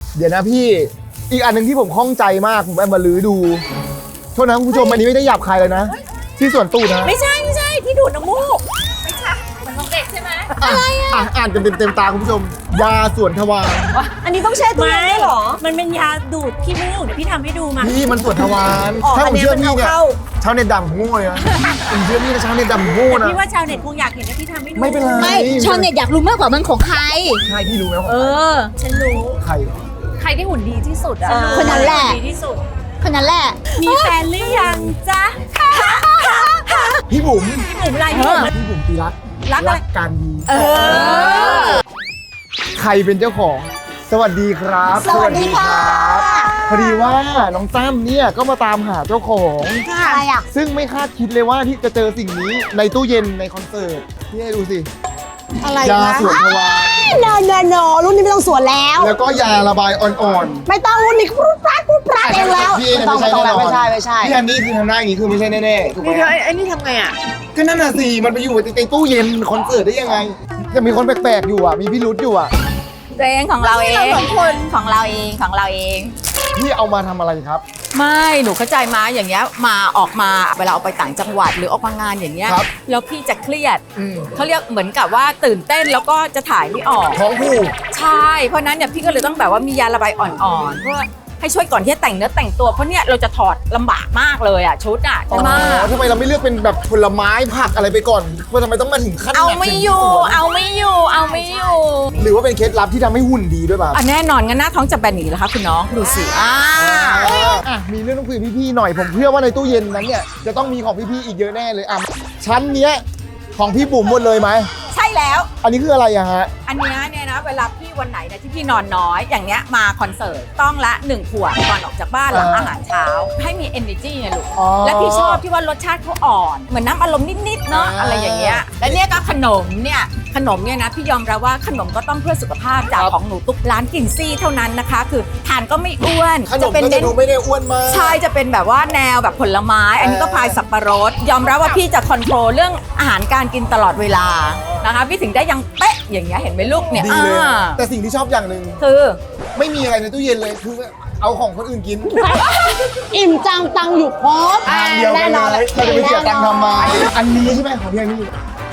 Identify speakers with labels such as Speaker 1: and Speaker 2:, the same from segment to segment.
Speaker 1: เดี๋ยวนะพี่อีกอันหนึ่งที่ผมข้องใจมากผมไปมาลื้อดูโทษนะคุณผู้ชมอันนี้ไม่ได้หยาบคายเลยนะที่ส่วนตูดนะ
Speaker 2: ไม่ใช่ที่ดูดน้ำมูกไม่ใช่มันของเด็กใช่ไหม
Speaker 1: อะไรอ่านกันเต็มตาคุณผู้ชมยาส่วนทวาร
Speaker 3: อันนี้ต้องแช่ตู้เย็นด้วยเหรอ
Speaker 2: มันเป็นยาดูดขี้มูกเดี๋ยวพี่ทำให้ดูมา
Speaker 1: พี่มันส่วนทวาร
Speaker 3: อ๋อ
Speaker 1: ถ้าผมเชื่อ
Speaker 3: อันนี้
Speaker 1: พี่
Speaker 3: มัน
Speaker 1: เนี่ย
Speaker 3: เอาเข้า
Speaker 1: ชาวเน็ตด่าผมโง่เลยนะผมเชื่อพี่นะชาวเน็ตด่าผมโง่
Speaker 2: แต่
Speaker 1: นะ
Speaker 2: พี่ว่าชาวเน็ตคงอยากเห็นว่าพี่ทำให้ดู
Speaker 1: ไม่เป็นไร
Speaker 3: ไม่ชาวเน็ตอยากรู้มากกว่ามันของใคร
Speaker 1: ใช่พี่รู้ไหมว่า
Speaker 2: ฉันรู้
Speaker 1: ใคร
Speaker 2: ใครที่หุ่นดีที่สุดอะ
Speaker 3: คนนั้นแหละ
Speaker 2: ดีที่สุด
Speaker 3: คนนั้นแหละ
Speaker 2: มีแฟนหรือยังจ๊ะ
Speaker 1: พี่บุ๋ม
Speaker 2: พี่บุ๋มอะไรพี่บุ๋ม
Speaker 1: พี่บุ๋มตีรัก
Speaker 2: รักอะไร
Speaker 1: การดี
Speaker 3: อ
Speaker 1: ใครเป็นเจ้าของสวัสดีครับ
Speaker 3: สวัสดีค่ะ
Speaker 1: พอดีว่าน้องตั้มเนี่ยก็มาตามหาเจ้าของ
Speaker 3: อะไรอ่ะ
Speaker 1: ซึ่งไม่คาดคิดเลยว่าที่จะเจอสิ่งนี้ในตู้เย็นในคอนเสิร์ตพี่ให้ดูสิ
Speaker 3: อะไร
Speaker 1: ยา
Speaker 3: นะ
Speaker 1: สวนทวาร
Speaker 3: โนรุ่นนี้ไม่ต้องสวนแล้ว
Speaker 1: แล้วก็ยาระบายอ่อน
Speaker 3: ไม่ต้องรุ่นนี้พูดปราดเองแล้ว
Speaker 1: ๆพี่เองไม่ใช่แน่นอน
Speaker 3: ไม่ใช่
Speaker 1: พี่อันนี้คือทำหน้าอย่างนี้คือไม่ใช่แน่ๆถูกไหม
Speaker 3: ไอ้นี่ทำไงอ่ะ
Speaker 1: ก็นั่นน่ะสิมันไปอยู่ในตู้เย็นคอนเสิร์ตได้ยังไงจะมีคนแปลกๆอยู่อ่ะมีพี่รุธอยู่อ่ะ
Speaker 2: ตัวเองของเราเองของเราเองของเราเอง
Speaker 1: พี่เอามาทำอะไรครับ
Speaker 2: ไม่หนูเข้าใจมาอย่างเงี้ยมาออกมาเวลาออกไปต่างจังหวัดหรือออกมางานอย่างเงี้ย
Speaker 1: ครับ
Speaker 2: แล้วพี่จะเครียด
Speaker 1: อืม
Speaker 2: เขาเรียกเหมือนกับว่าตื่นเต้นแล้วก็จะถ่ายไม่ออก
Speaker 1: ท้องผูก
Speaker 2: ใช่เพราะนั้นเนี่ยพี่ก็เลยต้องแบบว่ามียาระบายอ่อนๆเพื่อให้ช่วยก่อนที่จะแต่งเนื้อแต่งตัวเพราะเนี่ยเราจะถอดลำบากมากเลยอ่ะชุดอ่ะ
Speaker 1: อ๋
Speaker 2: ใช่ไหม
Speaker 1: อทำไมเราไม่เลือกเป็นแบบผลไม้ผักอะไรไปก่อนว่าทำไมต้องมาถึงขั้น
Speaker 2: เอา
Speaker 1: แบบ
Speaker 2: ไม่อยู่
Speaker 1: ถึงสวน
Speaker 2: เอาไม่อยู่เอาไม่อยู่
Speaker 1: หรือว่าเป็นเคล็ดลับที่ทำให้หุ่นดีด้วยป่ะ
Speaker 2: อ่ะแน่นอนงั้นหน้าท้องจะแบนอย่างนี้แล้วคะคุณน้องดูสิ
Speaker 1: มีเรื่องต้องคุยกับพี่ๆหน่อยผมเชื่อว่าในตู้เย็นนั้นเนี่ยจะต้องมีของพี่ๆอีกเยอะแน่เลยชั้นเนี้ยของพี่บุ๋มหมดเลยไหม
Speaker 2: ใช่แล้ว
Speaker 1: อันนี้คืออะไรอะฮะ
Speaker 2: อันเนี้ยเนี่ยนะเวลาพี่วันไหนนะที่พี่นอนน้อยอย่างเนี้ยมาคอนเสิร์ตต้องละ1 ขวดก่อนออกจากบ้านหลังอาหารเช้า ให้มี energy ไงลูก
Speaker 1: อ๋อ
Speaker 2: และพี่ชอบที่ว่ารสชาติเขาอ่อน เหมือนน้ำอารมณ์นิดๆเนาะอะไรอย่างเงี้ยและเนี่ยก็ขนมเนี่ยนะพี่ยอมรับว่าขนมก็ต้องเพื่อสุขภาพจากของหนูตุ๊กร้านกินซี่เท่านั้นนะคะ คือทานก็ไม่อ้วน
Speaker 1: ขนมก็จะดูไม่ได้อ้วนมาก
Speaker 2: ใช่จะเป็นแบบว่าแนวแบบผลไม้ อันนี้ก็พายสับปะรดยอมรับว่าพี่จะคอนโทรลเรื่องอาหารการกินตลอดเวลานะคะพี่ถึงได้ยังเป๊ะอย่างเงี้ยเห็นไหมลูกเนี่ย
Speaker 1: ดีเลย
Speaker 2: อ่า
Speaker 1: แต่สิ่งที่ชอบอย่างหนึ่ง
Speaker 2: คือ
Speaker 1: ไม่มีอะไรในตู้เย็นเลยคือเอาของคนอื่นกิน
Speaker 3: อิ่มจังตังอยู่ครบ
Speaker 1: ทานเดียวกันเลยเราจะไปเสียตังค์ทำไมอันนี้ใช่ไหมของพี่อันนี้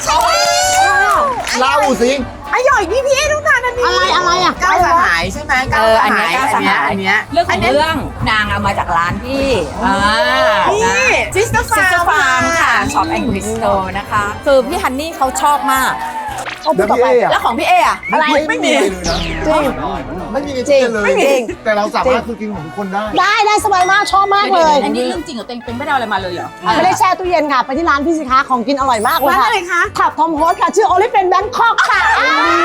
Speaker 1: เล่าสิ
Speaker 3: อร่อยพี่ต้องทานอันนี้อะไรอ่ะ
Speaker 4: ก้าวสหายใช่ไหมก้าวส
Speaker 2: อัน
Speaker 4: หา
Speaker 2: เนี้
Speaker 4: ย
Speaker 2: ยก้าวสหาย
Speaker 4: อันเนี้ย
Speaker 2: เรื่องของเรื่องนางเอามาจากร้านพี่
Speaker 4: นี่ซิสเตอร์
Speaker 2: ซิสเตอร์ฟาร์มค่ะช็อปแอนด์คริสโตนะคะคือพี่ฮันนี่เขาชอบมาก
Speaker 1: แล้วพี่เออะ
Speaker 2: แล้วของพี่เออะ
Speaker 1: อะไรไม่มีเลยนะ
Speaker 3: จริง
Speaker 1: ไม่มีในตู้เย็นเลย
Speaker 3: ไม่มี
Speaker 1: แต่เราสามารถคือกินของทุกคนได้
Speaker 3: ได้สบายมากชอบมากเลย
Speaker 2: อันนี้เรื่องจริงเหรอเต็งเป็นไม่ได้เอาอะไรมาเลยเหรอ
Speaker 3: ไม่ได้แช่ตู้เย็นค่ะ ไปที่ร้านพี่สิคะของกินอร่อยมากเลย
Speaker 4: ร้าน
Speaker 3: ค่ะ
Speaker 4: อะไรคะ
Speaker 3: ขับทอมโฮสค่ะ ชื่อโอลิเป็นแบงคอกค่ะ